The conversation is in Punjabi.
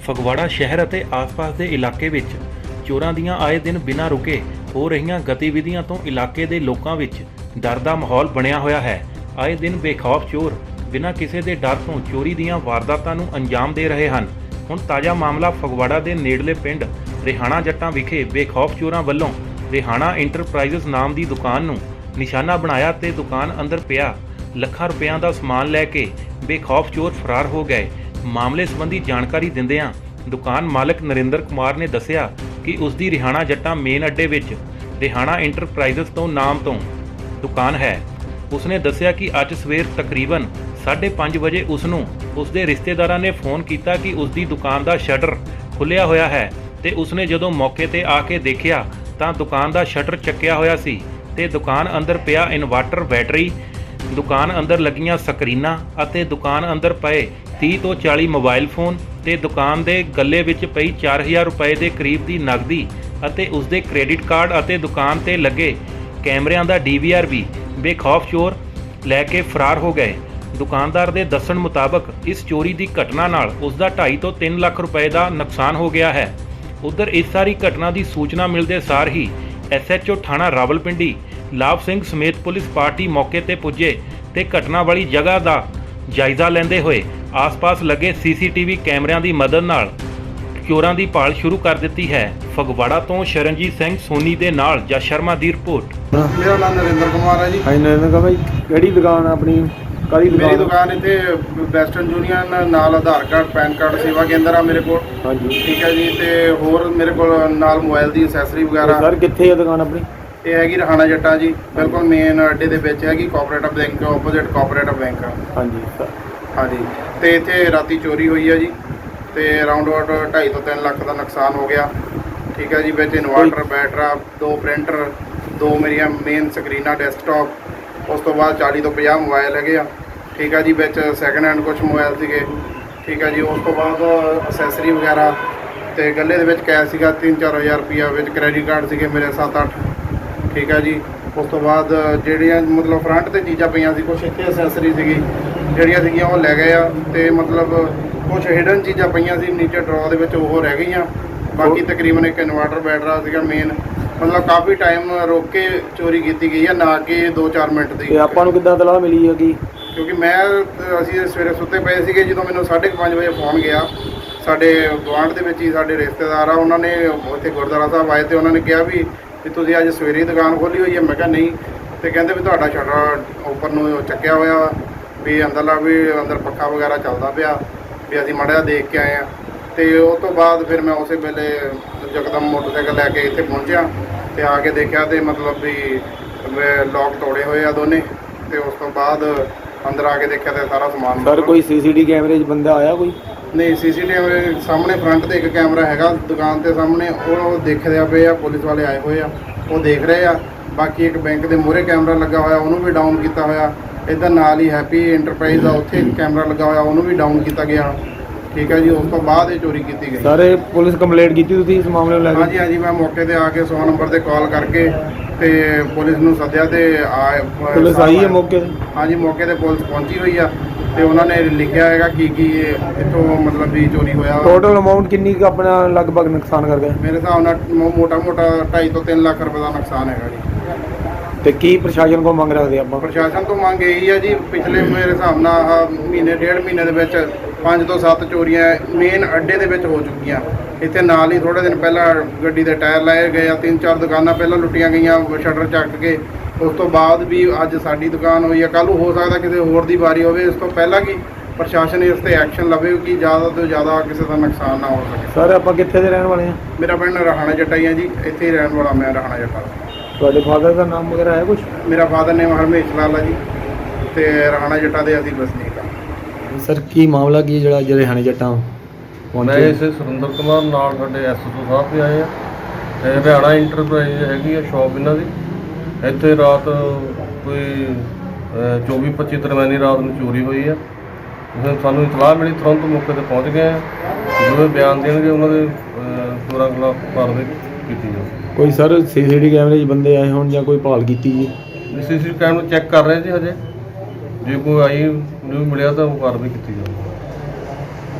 ਫਗਵਾੜਾ ਸ਼ਹਿਰ ਅਤੇ ਆਸ-ਪਾਸ ਦੇ ਇਲਾਕੇ ਵਿੱਚ ਚੋਰਾਂ ਦੀਆਂ ਆਏ ਦਿਨ ਬਿਨਾਂ ਰੁਕੇ ਹੋ ਰਹੀਆਂ ਗਤੀਵਿਧੀਆਂ ਤੋਂ ਇਲਾਕੇ ਦੇ ਲੋਕਾਂ ਵਿੱਚ ਡਰ ਦਾ ਮਾਹੌਲ ਬਣਿਆ ਹੋਇਆ ਹੈ। ਆਏ ਦਿਨ ਬੇਖੌਫ ਚੋਰ ਬਿਨਾਂ ਕਿਸੇ ਦੇ ਡਰ ਤੋਂ ਚੋਰੀ ਦੀਆਂ ਵਾਰਦਾਤਾਂ ਨੂੰ ਅੰਜਾਮ ਦੇ ਰਹੇ ਹਨ। ਹੁਣ ਤਾਜ਼ਾ ਮਾਮਲਾ ਫਗਵਾੜਾ ਦੇ ਨੇੜਲੇ ਪਿੰਡ ਰਿਹਾਣਾ ਜੱਟਾਂ ਵਿਖੇ ਬੇਖੌਫ ਚੋਰਾਂ ਵੱਲੋਂ ਰਿਹਾਣਾ ਇੰਟਰਪ੍ਰਾਈਜ਼ਸ ਨਾਮ ਦੀ ਦੁਕਾਨ ਨੂੰ ਨਿਸ਼ਾਨਾ ਬਣਾਇਆ ਤੇ ਦੁਕਾਨ ਅੰਦਰ ਪਿਆ ਲੱਖਾਂ ਰੁਪਇਆਂ ਦਾ ਸਮਾਨ ਲੈ ਕੇ ਬੇਖੌਫ ਚੋਰ ਫਰਾਰ ਹੋ ਗਏ। ਮਾਮਲੇ ਸੰਬੰਧੀ ਜਾਣਕਾਰੀ ਦਿੰਦਿਆਂ ਦੁਕਾਨ ਮਾਲਕ ਨਰਿੰਦਰ ਕੁਮਾਰ ਨੇ ਦੱਸਿਆ ਕਿ ਉਸ ਦੀ ਰਿਹਾਣਾ ਜੱਟਾਂ ਮੇਨ ਅੱਡੇ ਵਿੱਚ ਰਿਹਾਣਾ ਇੰਟਰਪ੍ਰਾਈਜ਼ਸ ਤੋਂ ਨਾਮ ਤੋਂ ਦੁਕਾਨ ਹੈ। ਉਸਨੇ ਦੱਸਿਆ ਕਿ ਅੱਜ ਸਵੇਰ ਤਕਰੀਬਨ 5:30 ਵਜੇ ਉਸ ਨੂੰ ਉਸ ਦੇ ਰਿਸ਼ਤੇਦਾਰਾਂ ਨੇ ਫੋਨ ਕੀਤਾ ਕਿ ਉਸ ਦੀ ਦੁਕਾਨ ਦਾ ਸ਼ਟਰ ਖੁੱਲਿਆ ਹੋਇਆ ਹੈ ਤੇ ਉਸਨੇ ਜਦੋਂ ਮੌਕੇ ਤੇ ਆ ਕੇ ਦੇਖਿਆ ਤਾਂ ਦੁਕਾਨ ਦਾ ਸ਼ਟਰ ਚੱਕਿਆ ਹੋਇਆ ਸੀ ਤੇ ਦੁਕਾਨ ਅੰਦਰ ਪਿਆ ਇਨਵਰਟਰ ਬੈਟਰੀ, ਦੁਕਾਨ ਅੰਦਰ ਲੱਗੀਆਂ ਸਕਰੀਨਾਂ ਅਤੇ ਦੁਕਾਨ ਅੰਦਰ ਪਏ 30 ਤੋਂ 40 ਮੋਬਾਈਲ ਫੋਨ ਤੇ ਦੁਕਾਨ ਦੇ ਗੱਲੇ ਵਿੱਚ ਪਈ 4000 ਰੁਪਏ ਦੇ ਕਰੀਬ ਦੀ ਨਕਦੀ ਅਤੇ ਉਸ ਦੇ ਕ੍ਰੈਡਿਟ ਕਾਰਡ ਅਤੇ ਦੁਕਾਨ ਤੇ ਲੱਗੇ ਕੈਮਰਿਆਂ ਦਾ DVR ਵੀ ਬੇਖੌਫ ਚੋਰ ਲੈ ਕੇ ਫਰਾਰ ਹੋ ਗਏ। ਦੁਕਾਨਦਾਰ ਦੇ ਦੱਸਣ ਮੁਤਾਬਕ ਇਸ ਚੋਰੀ ਦੀ ਘਟਨਾ ਨਾਲ ਉਸ ਦਾ 2.5 ਤੋਂ 3 ਲੱਖ ਰੁਪਏ ਦਾ ਨੁਕਸਾਨ ਹੋ ਗਿਆ ਹੈ। ਉਧਰ ਇਸ ਸਾਰੀ ਘਟਨਾ ਦੀ ਸੂਚਨਾ ਮਿਲਦੇ ਸਾਰ ਹੀ SHO ਥਾਣਾ ਰਾਵਲਪਿੰਡੀ ਲਾਭ ਸਿੰਘ ਸਮੇਤ ਪੁਲਿਸ ਪਾਰਟੀ ਮੌਕੇ ਤੇ ਪੁੱਜੇ ਤੇ ਘਟਨਾ ਵਾਲੀ ਜਗ੍ਹਾ ਦਾ ਜਾਇਜ਼ਾ ਲੈਂਦੇ ਹੋਏ ਆਸ-ਪਾਸ ਲੱਗੇ CCTV ਕੈਮਰਿਆਂ ਦੀ ਮਦਦ ਨਾਲ ਚੋਰਾਂ ਦੀ ਭਾਲ ਸ਼ੁਰੂ ਕਰ ਦਿੱਤੀ ਹੈ। ਫਗਵਾੜਾ ਤੋਂ ਸ਼ਰਨਜੀਤ ਸਿੰਘ ਸੋਨੀ ਦੇ ਨਾਲ ਜਸ ਸ਼ਰਮਾ ਦੀ ਰਿਪੋਰਟ। ਮੇਰਾ ਨਾਮ ਨਰਿੰਦਰ ਕੁਮਾਰ ਹੈ ਜੀ। ਹਾਂਜੀ ਨਰਿੰਦਰ ਕੁਮਾਰ ਭਾਈ, ਕਿਹੜੀ ਦੁਕਾਨ ਆਪਣੀ? ਕਾਹਦੀ ਦੁਕਾਨ? ਮੇਰੀ ਦੁਕਾਨ ਇੱਥੇ ਵੈਸਟਰਨ ਯੂਨੀਅਨ ਨਾਲ ਆਧਾਰ ਕਾਰਡ, ਪੈਨ ਕਾਰਡ ਸੇਵਾ ਕੇਂਦਰ ਆ ਮੇਰੇ ਕੋਲ। ਹਾਂਜੀ ਠੀਕ ਹੈ ਜੀ। ਤੇ ਹੋਰ ਮੇਰੇ ਕੋਲ ਨਾਲ ਮੋਬਾਈਲ ਦੀ ਐਕਸੈਸਰੀ ਵਗੈਰਾ। ਸਰ ਕਿੱਥੇ ਹੈ ਦੁਕਾਨ ਆਪਣੀ? ਇਹ ਹੈਗੀ ਰਿਹਾਣਾ ਜੱਟਾਂ ਜੀ, ਬਿਲਕੁਲ ਮੇਨ ਅੱਡੇ ਦੇ ਵਿੱਚ ਹੈਗੀ, cooperative bank opposite cooperative bank. ਹਾਂਜੀ ਸਰ। ਹਾਂਜੀ। ਤੇ ਇੱਥੇ ਰਾਤੀ ਚੋਰੀ ਹੋਈ ਹੈ ਜੀ ਤੇ ਅਰਾਊਂਡ 2.5 ਤੋਂ 3 ਲੱਖ ਦਾ ਨੁਕਸਾਨ ਹੋ ਗਿਆ। ਠੀਕ ਹੈ ਜੀ। ਵਿੱਚ ਇਨਵਰਟਰ, ਬੈਟਰਾ, 2 ਪ੍ਰਿੰਟਰ, 2 ਮੇਰੀਆਂ ਮੇਨ ਸਕਰੀਨਾਂ ਡੈਸਕਟਾਪ, ਉਸ ਤੋਂ ਬਾਅਦ 40 ਤੋਂ 50 ਮੋਬਾਈਲ ਹੈਗੇ ਆ। ਠੀਕ ਹੈ ਜੀ। ਵਿੱਚ ਸੈਕਿੰਡ ਹੈਂਡ ਕੁਝ ਮੋਬਾਈਲ ਸੀਗੇ। ਠੀਕ ਹੈ ਜੀ। ਉਸ ਤੋਂ ਬਾਅਦ ਅਸੈਸਰੀ ਵਗੈਰਾ ਤੇ ਗੱਲੇ ਦੇ ਵਿੱਚ ਕੈਸ਼ ਸੀਗਾ 3-4 ਹਜ਼ਾਰ ਰੁਪਈਆ, ਵਿੱਚ ਕ੍ਰੈਡਿਟ ਕਾਰਡ ਸੀਗੇ ਮੇਰੇ 7-8। ਠੀਕ ਹੈ ਜੀ। ਉਸ ਤੋਂ ਬਾਅਦ ਜਿਹੜੀਆਂ ਮਤਲਬ ਫਰੰਟ ਤੇ ਚੀਜ਼ਾਂ ਪਈਆਂ ਸੀ, ਕੁਛ ਇੱਥੇ ਅਸੈਸਰੀ ਸੀਗੀ ਜਿਹੜੀਆਂ ਸੀਗੀਆਂ ਉਹ ਲੈ ਗਏ ਆ ਤੇ ਮਤਲਬ ਕੁਛ ਹਿਡਨ ਚੀਜ਼ਾਂ ਪਈਆਂ ਸੀ ਨੀਚੇ ਡਰਾਅ ਦੇ ਵਿੱਚ, ਉਹ ਰਹਿ ਗਈਆਂ। ਬਾਕੀ ਤਕਰੀਬਨ ਇੱਕ ਇਨਵਰਟਰ ਬੈਟਰਾ ਸੀਗਾ ਮੇਨ। ਮਤਲਬ ਕਾਫੀ ਟਾਈਮ ਰੋਕ ਕੇ ਚੋਰੀ ਕੀਤੀ ਗਈ ਹੈ, ਨਾ ਕਿ 2-4 ਮਿੰਟ ਦੀ। ਤੇ ਆਪਾਂ ਨੂੰ ਕਿੱਦਾਂ ਤਲਾਹ ਮਿਲੀ ਹੈਗੀ? ਕਿਉਂਕਿ ਅਸੀਂ ਸਵੇਰੇ ਸੁੱਤੇ ਪਏ ਸੀਗੇ ਜਦੋਂ ਮੈਨੂੰ 5:30 ਵਜੇ ਫੋਨ ਗਿਆ। ਸਾਡੇ ਗੁਆਂਢ ਦੇ ਵਿੱਚ ਹੀ ਸਾਡੇ ਰਿਸ਼ਤੇਦਾਰ ਆ, ਉਹਨਾਂ ਨੇ ਉੱਥੇ ਗੁਰਦੁਆਰਾ ਸਾਹਿਬ ਆਏ ਤੇ ਉਹਨਾਂ ਨੇ ਕਿਹਾ ਵੀ ਤੁਸੀਂ ਅੱਜ ਸਵੇਰੇ ਹੀ ਦੁਕਾਨ ਖੋਲ੍ਹੀ ਹੋਈ ਹੈ। ਮੈਂ ਕਿਹਾ ਨਹੀਂ। ਤੇ ਕਹਿੰਦੇ ਵੀ ਤੁਹਾਡਾ ਸ਼ਟਰ ਉੱਪਰ ਨੂੰ ਚੱਕਿਆ ਹੋਇਆ ਵੀ ਅੰਦਰਲਾ ਵੀ ਅੰਦਰ ਪੱਖਾ ਵਗੈਰਾ ਚੱਲਦਾ ਪਿਆ ਵੀ ਅਸੀਂ ਮਾੜਾ ਜਿਹਾ ਦੇਖ ਕੇ ਆਏ ਹਾਂ। ਤੇ ਉਸ ਤੋਂ ਬਾਅਦ ਫਿਰ ਮੈਂ ਉਸੇ ਵੇਲੇ ਯਕਦਮ ਮੋਟਰਸਾਈਕਲ ਲੈ ਕੇ ਇੱਥੇ ਪਹੁੰਚਿਆ ਤੇ ਆ ਕੇ ਦੇਖਿਆ ਤੇ ਮਤਲਬ ਵੀ ਲੋਕ ਤੋੜੇ ਹੋਏ ਆ ਦੋਨੇ। ਤੇ ਉਸ ਤੋਂ ਬਾਅਦ ਅੰਦਰ ਆ ਕੇ ਦੇਖਿਆ ਤੇ ਸਾਰਾ ਸਮਾਨ। ਸਰ ਕੋਈ CCTV ਕੈਮਰੇ 'ਚ ਬੰਦਾ ਆਇਆ ਕੋਈ? ਨਹੀਂ, CCTV ਸਾਹਮਣੇ ਫਰੰਟ ਤੇ ਇੱਕ ਕੈਮਰਾ ਹੈਗਾ ਦੁਕਾਨ ਦੇ ਸਾਹਮਣੇ, ਉਹ ਦੇਖਦੇ ਪਏ ਆ, ਪੁਲਿਸ ਵਾਲੇ ਆਏ ਹੋਏ ਆ, ਉਹ ਦੇਖ ਰਹੇ ਆ। ਬਾਕੀ ਇੱਕ ਬੈਂਕ ਦੇ ਮੂਹਰੇ ਕੈਮਰਾ ਲੱਗਾ ਹੋਇਆ, ਉਹਨੂੰ ਵੀ ਡਾਊਨ ਕੀਤਾ ਹੋਇਆ। ਇੱਧਰ ਨਾਲ ਹੀ ਹੈਪੀ ਇੰਟਰਪ੍ਰਾਈਜ਼ ਆ, ਉੱਥੇ ਕੈਮਰਾ ਲੱਗਾ ਹੋਇਆ, ਉਹਨੂੰ ਵੀ ਡਾਊਨ ਕੀਤਾ ਗਿਆ। ਠੀਕ ਹੈ ਜੀ। ਉਸ ਤੋਂ ਬਾਅਦ ਇਹ ਚੋਰੀ ਕੀਤੀ ਗਈ। ਸਰ ਇਹ ਪੁਲਿਸ ਕੰਪਲੇਂਟ ਕੀਤੀ ਤੁਸੀਂ ਇਸ ਮਾਮਲੇ ਨੂੰ ਲੈ ਕੇ? ਹਾਂਜੀ ਹਾਂਜੀ। ਮੈਂ ਮੌਕੇ ਤੇ ਆ ਕੇ 100 ਨੰਬਰ ਤੇ ਕਾਲ ਕਰਕੇ ਤੇ ਪੁਲਿਸ ਨੂੰ ਸੱਦਿਆ ਤੇ ਪੁਲਿਸ ਆਈ ਹੈ ਮੌਕੇ ਤੇ? ਹਾਂਜੀ, ਮੌਕੇ ਤੇ ਪੁਲਿਸ ਪਹੁੰਚੀ ਹੋਈ ਆ ਤੇ ਉਹਨਾਂ ਨੇ ਲਿਖਿਆ ਹੈਗਾ ਕੀ ਇੱਥੋਂ ਮਤਲਬ ਵੀ ਚੋਰੀ ਹੋਇਆ। ਟੋਟਲ ਅਮਾਉਂਟ ਕਿੰਨੀ ਕੁ ਆਪਣਾ ਲਗਭਗ ਨੁਕਸਾਨ ਕਰ ਗਏ? ਮੇਰੇ ਹਿਸਾਬ ਨਾਲ ਮੋਟਾ 2.5 ਤੋਂ 3 ਲੱਖ ਰੁਪਏ ਦਾ ਨੁਕਸਾਨ ਹੈਗਾ ਜੀ। ਤੇ ਕੀ ਪ੍ਰਸ਼ਾਸਨ ਕੋਲ ਮੰਗ ਰੱਖਦੇ ਆਪਾਂ? ਪ੍ਰਸ਼ਾਸਨ ਤੋਂ ਮੰਗ ਇਹੀ ਹੈ ਜੀ, ਪਿਛਲੇ ਮੇਰੇ ਹਿਸਾਬ ਨਾਲ ਮਹੀਨੇ 1.5 ਮਹੀਨੇ ਦੇ ਵਿੱਚ 5 ਤੋਂ 7 ਚੋਰੀਆਂ ਮੇਨ ਅੱਡੇ ਦੇ ਵਿੱਚ ਹੋ ਚੁੱਕੀਆਂ। ਇੱਥੇ ਨਾਲ ਹੀ ਥੋੜ੍ਹੇ ਦਿਨ ਪਹਿਲਾਂ ਗੱਡੀ ਦੇ ਟਾਇਰ ਲਾਏ ਗਏ ਆ, 3-4 ਦੁਕਾਨਾਂ ਪਹਿਲਾਂ ਲੁੱਟੀਆਂ ਗਈਆਂ ਸ਼ਟਰ ਚੱਕ ਕੇ। ਉਸ ਤੋਂ ਬਾਅਦ ਵੀ ਅੱਜ ਸਾਡੀ ਦੁਕਾਨ ਹੋਈ ਹੈ, ਕੱਲ੍ਹ ਨੂੰ ਹੋ ਸਕਦਾ ਕਿਸੇ ਹੋਰ ਦੀ ਵਾਰੀ ਹੋਵੇ। ਇਸ ਤੋਂ ਪਹਿਲਾਂ ਕਿ ਪ੍ਰਸ਼ਾਸਨ ਇਸ 'ਤੇ ਐਕਸ਼ਨ ਲਵੇ ਕਿ ਜ਼ਿਆਦਾ ਤੋਂ ਜ਼ਿਆਦਾ ਕਿਸੇ ਦਾ ਨੁਕਸਾਨ ਨਾ ਹੋ ਸਕੇ। ਸਰ ਆਪਾਂ ਕਿੱਥੇ ਦੇ ਰਹਿਣ ਵਾਲੇ ਹਾਂ? ਮੇਰਾ ਪਿੰਡ ਰਿਹਾਣਾ ਜੱਟਾਂ ਹੀ ਹੈ ਜੀ, ਇੱਥੇ ਹੀ ਰਹਿਣ ਵਾਲਾ ਮੈਂ ਰਿਹਾਣਾ ਜੱਟਾਂ ਦਾ। ਤੁਹਾਡੇ ਫਾਦਰ ਦਾ ਨਾਮ ਵਗੈਰਾ ਹੈ ਕੁਛ? ਮੇਰਾ ਫਾਦਰ ਨੇਮ ਹਰਮੇਸ਼ ਲਾਲ ਹੈ ਜੀ ਤੇ ਰਿਹਾਣਾ ਜੱਟਾਂ ਦੇ ਅਸੀਂ ਵਸਨੀਕ ਹਾਂ। ਸਰ ਕੀ ਮਾਮਲਾ ਕੀ ਜਿਹੜਾ ਅੱਜ ਰਿਹਾਣਾ ਜੱਟਾਂ ਮੈਂ ਪਹੁੰਚੇ? ਇਸੇ ਸੁਰਿੰਦਰ ਕੁਮਾਰ ਨਾਲ ਸਾਡੇ SHO ਸਾਹਿਬ ਵੀ ਆਏ ਆ ਤੇ ਰਿਹਾਣਾ ਇੰਟਰਪ੍ਰਾਈਜ਼ ਹੈਗੀ ਆ ਸ਼ੌਪ ਇਹਨਾਂ ਦੀ। ਇੱਥੇ ਰਾਤ ਕੋਈ 24-25 ਦਰਮਿਆਨੀ ਰਾਤ ਨੂੰ ਚੋਰੀ ਹੋਈ ਆ। ਸਾਨੂੰ ਇਤਲਾਹ ਮਿਲੀ, ਤੁਰੰਤ ਮੌਕੇ ਤੇ ਪਹੁੰਚ ਗਏ ਆ। ਜੋ ਬਿਆਨ ਦੇਣਗੇ ਉਹਨਾਂ ਦੇ ਚੋਰਾਂ ਖਿਲਾਫ ਕਾਰਵਾਈ ਕੀਤੀ ਜਾਊਗੀ। ਕੋਈ ਸਰ CCTV ਕੈਮਰੇ 'ਚ ਬੰਦੇ ਆਏ ਹੋਣ ਜਾਂ ਕੋਈ ਭਾਲ ਕੀਤੀ ਜੀ? CCTV ਕੈਮਰਾ ਚੈੱਕ ਕਰ ਰਹੇ ਜੀ ਹਜੇ, ਜੇ ਕੋਈ ਆਈ ਨਿਊ ਮਿਲਿਆ ਤਾਂ ਉਹ ਕਾਰਵਾਈ ਕੀਤੀ ਜਾਊਗੀ।